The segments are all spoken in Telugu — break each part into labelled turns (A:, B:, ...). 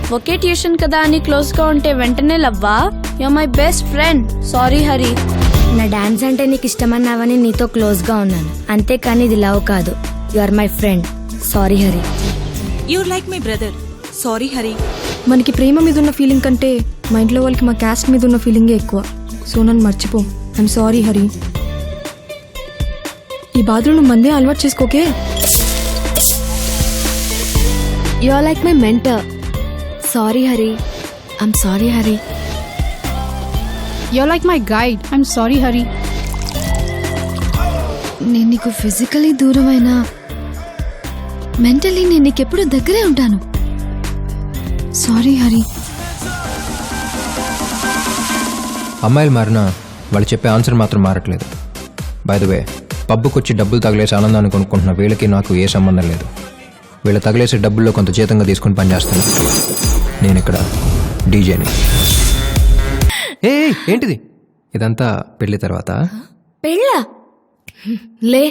A: ఒకే ట్యూషన్ కదా అని క్లోజ్ గా ఉంటే వెంటనే లవ్వా? You my best friend. Sorry Hari.
B: నా డాన్స్ అంటే నీకు ఇష్టమన్నావని నీతో క్లోజ్ గా ఉన్నాను, అంతేకాని ఇది లవ్ కాదు. You are my friend. Sorry Hari.
C: You like my brother. Sorry Hari.
D: మనకి ప్రేమ మీద ఉన్న ఫీలింగ్ కంటే మా ఇంట్లో వాళ్ళకి మా క్యాస్ట్ మీద ఉన్న ఫీలింగే ఎక్కువ. సో నన్ను మర్చిపో. I'm sorry Hari. ఈ బాధలు నువ్వు మందే అలవాటు చేసుకోకే.
B: You are like my mentor. Sorry Hari. I'm sorry Hari.
E: You're like my guide. I'm sorry, Hari.
F: నేను నీకు ఫిజికలీ దూరమైనా మెంటలీ నేను నీకెప్పుడు దగ్గరే ఉంటాను. సారీ హరి.
G: అమ్మాయిలు మారినా వాళ్ళు చెప్పే ఆన్సర్ మాత్రం మారట్లేదు. బై ద వే, పబ్బుకి వచ్చి డబ్బులు తగిలేసి ఆనందాన్ని కొనుక్కుంటున్న వీళ్ళకి నాకు ఏ సంబంధం లేదు. వీళ్ళు తగిలేసే డబ్బుల్లో కొంత జీతంగా తీసుకుని పనిచేస్తాను. నేను ఇక్కడ డీజేని. ఏ ఏంటిది ఇదంతా పెళ్లి తర్వాత?
D: పెళ్ళా? లే,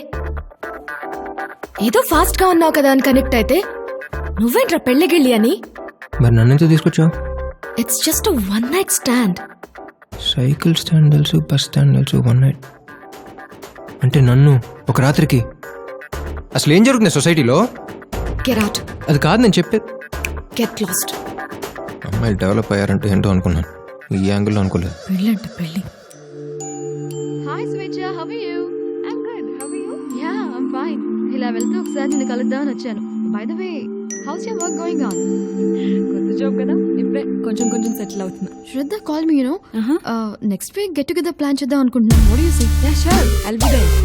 D: ఏదో ఫాస్ట్ గా ఉన్నావు కదా అని కనెక్ట్ అయితే నువ్వేంట్రా పెళ్ళిగిళ్ళి అని?
G: మరి నన్నెందుకు తీసుకొచ్చావు?
D: It's just one night stand.
G: Cycle stand తెలుసు, బస్ స్టాండ్ తెలుసు, వన్ నైట్ అంటే నన్ను ఒక రాత్రికి. అసలు ఏం జరుగుతుంది సొసైటీలో?
D: Get out.
G: అది కాదు నేను చెప్పేది.
D: Get lost.
G: అమ్మాయిలు డెవలప్ అయ్యారంటే ఏంటో అనుకున్నాను, ఈ యాంగిల్లో అనుకోలేదు.
D: పెళ్ళంట పెళ్ళి.
H: Hi Swecha, how are you? I'm good, how are you? Yeah, I'm fine. ఇలా వెళ్తూ ఒకసారి నిన్ను కలుద్దామని వచ్చాను. By the way, how's your work going on? కొత్త జాబ్ కదా, ఇప్పుడే కొంచెం కొంచెం సెటిల్ అవుతున్నా.
F: Shraddha call me, you know. Next week get together plan చేద్దాం అనుకుంటున్నాను. What do you say?
H: Yeah sure, I'll be there.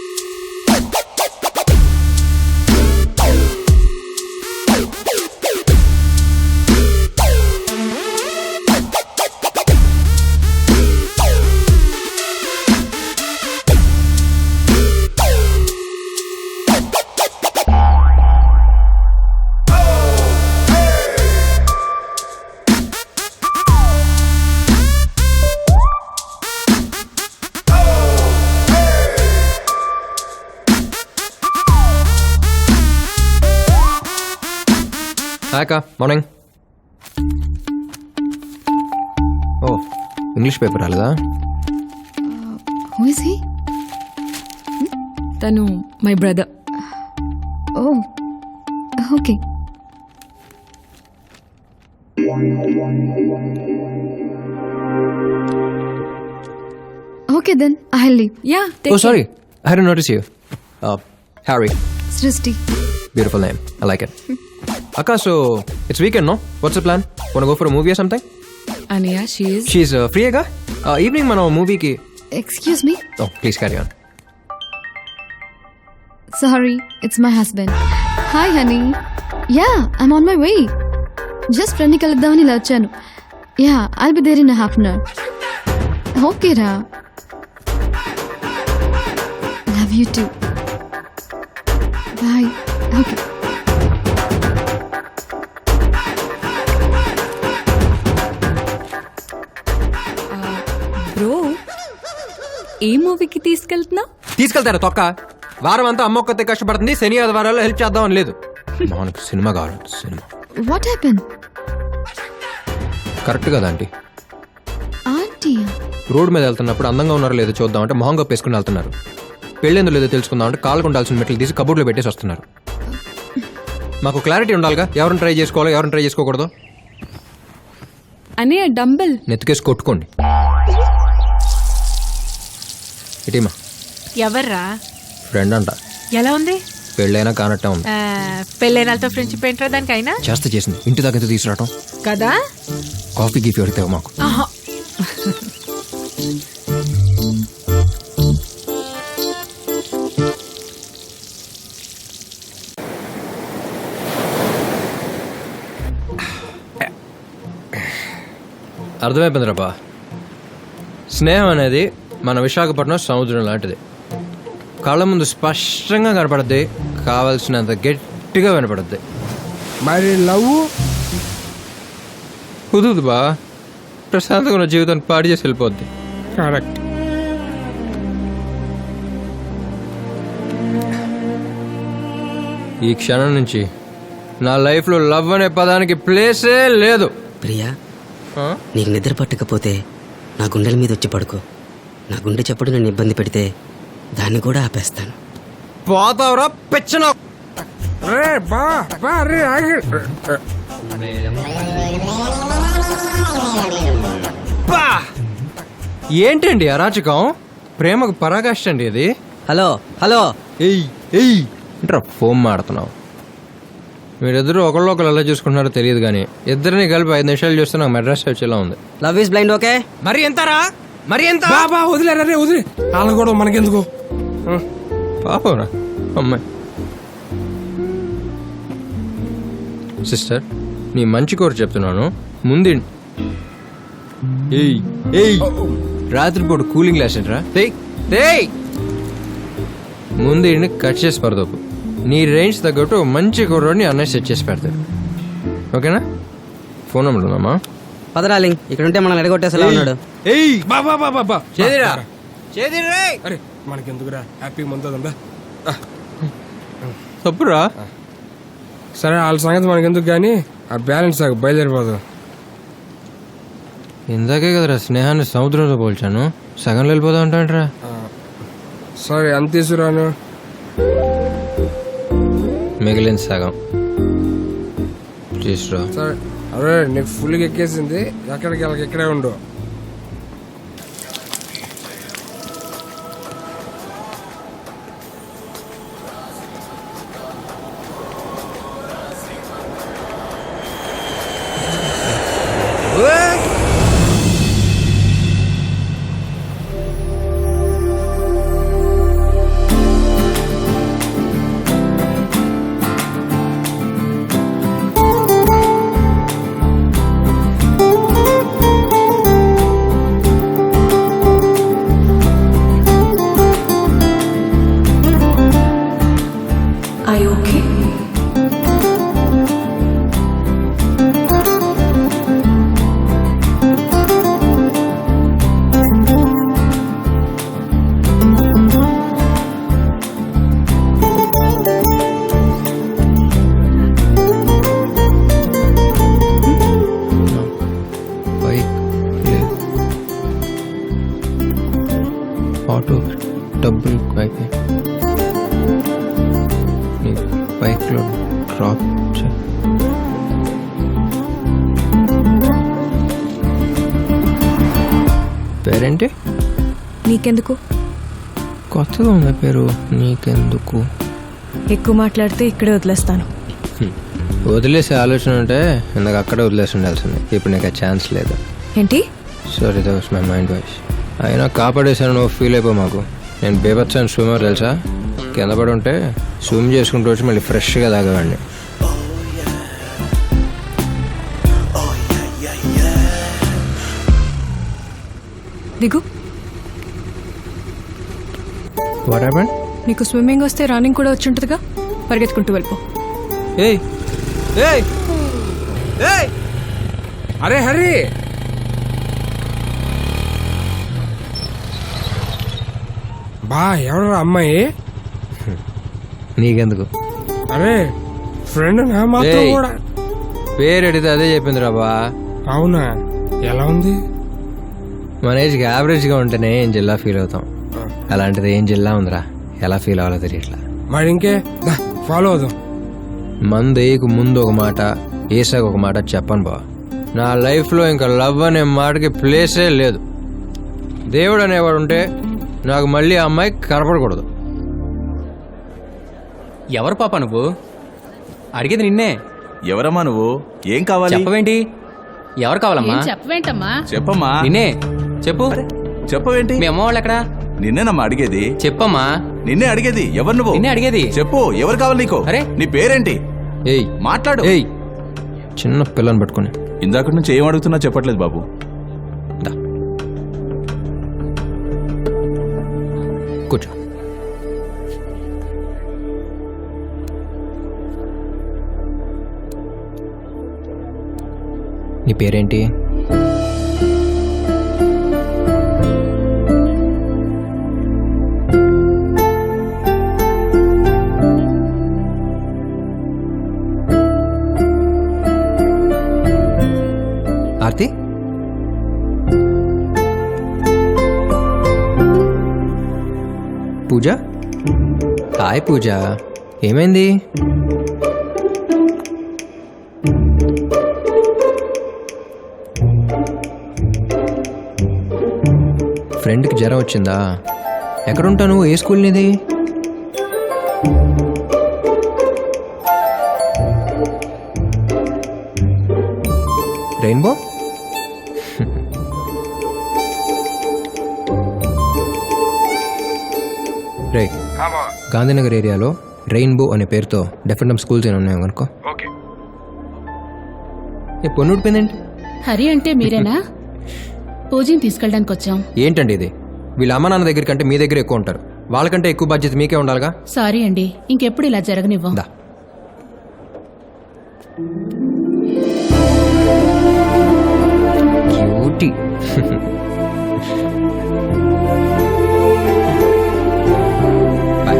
G: Hi అక్క, మార్నింగ్. ఓ, ఇంగ్లీష్ పేపర్ రాలేదా?
F: Who is he?
D: తను my brother.
F: Oh okay. Okay then I will leave.
D: Yeah,
G: oh sorry, I hadn't noticed you. Harry.
F: సృష్టి.
G: Beautiful name. I like it. Akka, so it's weekend, no? What's the plan? Wanna go for a movie or something?
D: అనియా,
G: She's free, aga? Evening మనం movie ki.
F: Excuse me.
G: Oh, please carry on.
F: Sorry, it's my husband. Hi honey. Yeah, I'm on my way. Just ఫ్రెండ్ని కలుద్దామని ఇలా వచ్చాను. Yeah, I'll be there in half an hour. Okay రా. Love you too. Bye. Okay.
D: Bro, ఏ మూవీకి తీసుకెళ్తున్నావు?
G: తీసుకెళ్తారా తొక్క? వారం అంతా అమ్మ ఒక్కతే కష్టపడుతుంది, శని ఆదివారాల్లో హెల్ప్ చేద్దామని లేదు. మనకు సినిమా కావాలి, సినిమా.
F: What happen?
G: కరెక్ట్ కదా ఆంటీ?
F: ఆంటీ
G: రోడ్ మీద వెళ్తున్నప్పుడు అందంగా ఉన్నారో లేదో చూద్దామంటే మొహం కప్పేసుకుని వెళ్తున్నారు. పెళ్ళేందో లేదో తెలుసుకుందామంటే కాళ్ళకు ఉండాల్సిన మెట్లు తీసి కబోర్డ్లో పెట్టేసి వస్తున్నారు. మాకు క్లారిటీ ఉండాలిగా, ఎవరిని ట్రై చేసుకోవాలో ఎవరిని ట్రై చేసుకోకూడదు.
D: అనే డంబెల్
G: నెత్తికేసి కొట్టుకోండి. ఇటీమా
C: ఎవర్రా?
G: ఫ్రెండ్ అంట.
C: ఎలా ఉంది?
G: పెళ్ళైనా కానట్టే ఉంది.
C: పెళ్ళైనాలతో ఫ్రెండ్షిప్ ఏంట్రా దానికైనా?
G: చేసింది ఇంటి దాకా ఎంత తీసుకురావటం
C: కదా.
G: కాఫీ గీఫీ అడితే మాకు. అర్థమైపోయింది రాబా. స్నేహం అనేది మన విశాఖపట్నం సముద్రం లాంటిది. కళ్ళ ముందు స్పష్టంగా కనపడద్ది, కావాల్సినంత గట్టిగా వినపడద్ది.
I: మరి లవ్
G: కుదురుదు బా, ప్రశాంతంగా ఉన్న జీవితాన్ని పాడు చేసి వెళ్ళిపోద్ది.
I: కరెక్ట్.
G: ఈ క్షణం నుంచి నా లైఫ్లో లవ్ అనే పదానికి ప్లేసే లేదు.
J: ప్రియా, నీకు నిద్ర పట్టకపోతే నా గుండెల మీద వచ్చి పడుకో. నా గుండె చప్పుడు నన్ను ఇబ్బంది పెడితే దాన్ని కూడా ఆపేస్తాను.
G: పోతావురా పెచ్చన.
I: రే బా బా రే ఆగి.
G: ఏంటండి అరాచకం? ప్రేమకు పరాకాష్ట అండి అది.
J: హలో హలో,
G: ఎయ్ ఎయ్ ఏంట్రా ఫోన్ మాడుతున్నావు? మీరిద్దరూ ఒకళ్ళు ఎలా చూసుకుంటున్నారో తెలియదు కానీ ఇద్దరిని కలిపి 5 నిమిషాలు చూస్తే నాకు మెడ్రాస్ వచ్చేలా ఉంది.
J: Love is blind. ఓకే,
G: మరి ఎంతరా? మరి ఎంత?
I: బాబా వదిలేరా రే, వదిలే. వాళ్ళ కూడా మనకెందుకు?
G: పాపరా అమ్మాయి. సిస్టర్, నీ మంచి కోరు చెప్తున్నాను. ముందు ఏయ్ ఏయ్ రాత్రిపూట కూలింగ్ గ్లాస్ ఏంట్రా? ముందు ఇంటిని కట్ చేసి పడదోపు. నీ రేంజ్ తగ్గట్టు మంచి కుర్రోడిని అన్నయ్య సెట్ చేసి పెడతాడు. ఓకేనా? ఫోన్ నెంబర్ ఉందమ్మా.
J: పదరాలింగ్ ఇక్కడ ఉంటే మనం ఎడగొట్టేసేలా ఉన్నాడు.
G: ఏయ్
I: బాబా బాబా బాబా
G: చేదిరా.
I: అరే మనకెందుకురా, హ్యాపీ ముందా.
G: తప్పురా.
I: సరే వాళ్ళ సంగతి మనకెందుకు కానీ ఆ బ్యాలెన్స్ నాకు బయలుదేరిపోదు.
G: ఇందాకే కదరా స్నేహాన్ని సముద్రంతో పోల్చాను. సగంలో వెళ్ళిపోతా ఉంటాంట్రా.
I: సరే అంత తీసుకురాను.
G: మిగిలిన సగం తీసురా.
I: సరే అరే నీకు ఫుల్గా ఎక్కేసింది. ఎక్కడికి వెళ్ళకి ఇక్కడే ఉండు. ఆటో డబ్బులు అయిపోయి నీ బైక్లో డ్రాప్ చే. పేరేంటి?
D: నీకెందుకు?
G: కొత్తగా ఉంది పేరు. నీకెందుకు?
D: ఎక్కువ మాట్లాడితే ఇక్కడే వదిలేస్తాను.
G: వదిలేసే ఆలోచన ఉంటే ఇందాక అక్కడే వదిలేసి ఉండాల్సింది. ఇప్పుడు నీకు ఆ ఛాన్స్ లేదు.
D: ఏంటి?
G: Sorry, that was my mind voice. అయినా కాపాడేశాను, నువ్వు ఫీల్ అయిపో. మాకు నేను బేబత్సాను స్విమ్మర్ తెలుసా? కింద పడి ఉంటే స్విమ్ చేసుకుంటూ వచ్చి మళ్ళీ ఫ్రెష్గా తాగేవాడిని.
D: దిగు.
G: What happened?
D: నీకు స్విమ్మింగ్ వస్తే రన్నింగ్ కూడా వచ్చి ఉంటుందిగా, పరిగెత్తుకుంటూ వెళ్ళిపో.
G: ఏయ్ ఏయ్ ఏయ్
I: అరే హరి, బా ఎవరు అమ్మాయి?
G: నీకెందుకు?
I: అరే ఫ్రెండ్ నా మాత్రం
G: ఏయ్.
I: కూడా.
G: పేరు అడిగితే అదే చెప్పింది రాబా.
I: అవునా, ఎలా ఉంది?
G: మన ఏజ్కి యావరేజ్గా ఉంటేనే ఏం జిల్లా ఫీల్ అవుతాం. అలాంటిది ఏం జిల్లా ఉందిరా, ఎలా ఫీల్ అవ్వాలో తెలియట్లా.
I: మరి ఇంకే ఫాలో అవుదాం.
G: మందు వేయకు ముందు ఒక మాట, వేసాక ఒక మాట చెప్పను బా. నా లైఫ్లో ఇంకా లవ్ అనే మాటకి ప్లేసే లేదు. దేవుడు అనేవాడు ఉంటే నాకు మళ్ళీ ఆ అమ్మాయి కనపడకూడదు.
K: ఎవరు పాప నువ్వు? అడిగేది నిన్నే.
L: ఎవరమ్మా నువ్వు? ఏం కావాలి?
K: చెప్పవేంటి? ఎవరు కావాలమ్మా?
A: చెప్పవేంటమ్మా?
L: చెప్పమ్మా.
K: నిన్నే చెప్పు.
L: చెప్పవేంటి?
K: మీ అమ్మ వాళ్ళు ఎక్కడా?
L: నిన్నేనమ్మా అడిగేది.
K: చెప్పమ్మా.
L: నిన్నే అడిగేది. ఎవరు నువ్వు?
K: నిన్నే అడిగేది.
L: చెప్పు, ఎవరు కావాలి నీకు?
K: అరే
L: నీ పేరేంటి?
G: ఏయ్
L: మాట్లాడు.
G: ఏయ్ చిన్న పిల్లని పట్టుకుని
L: ఇందాక నుంచి ఏం అడుగుతున్నా చెప్పట్లేదు బాబు.
G: దా కూర్చో. నీ పేరేంటి? ఆర్తి పూజ హాయ్ పూజ ఏమైంది ఫ్రెండ్కి జ్వరం వచ్చిందా ఎక్కడుంటావు ఏ స్కూల్ నీది రెయిన్బో రే గాంధీనగర్ ఏరియాలో రెయిన్బో అనే పేరుతో డెఫినెట్ స్కూల్స్ ఏమైనా ఉన్నాయో కనుకో ఏ పొన్ను ఉడిపోయిందేంటి
E: హరి అంటే మీరేనా పూజని తీసుకెళ్ళడానికి వచ్చాం.
G: ఏంటండి ఇది వీళ్ళ అమ్మ నాన్న దగ్గర కంటే మీ దగ్గర ఎక్కువ ఉంటారు వాళ్ళకంటే ఎక్కువ బాధ్యత మీకే ఉండాలిగా
E: సారీ అండి, ఇంకెప్పుడు ఇలా జరగనివ్వం.
G: దా cutie boy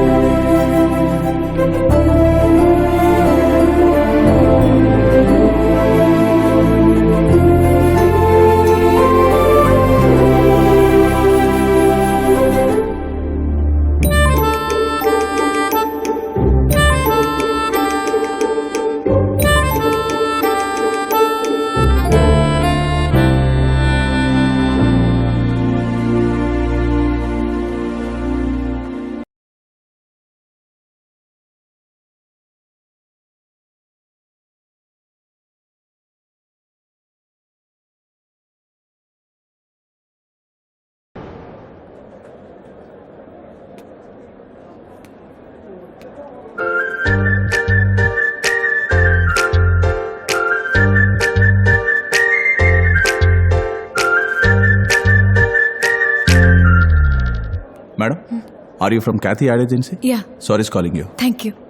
L: madam are you from Cathy ad agency?
C: Yeah,
L: sorry calling you.
C: Thank you.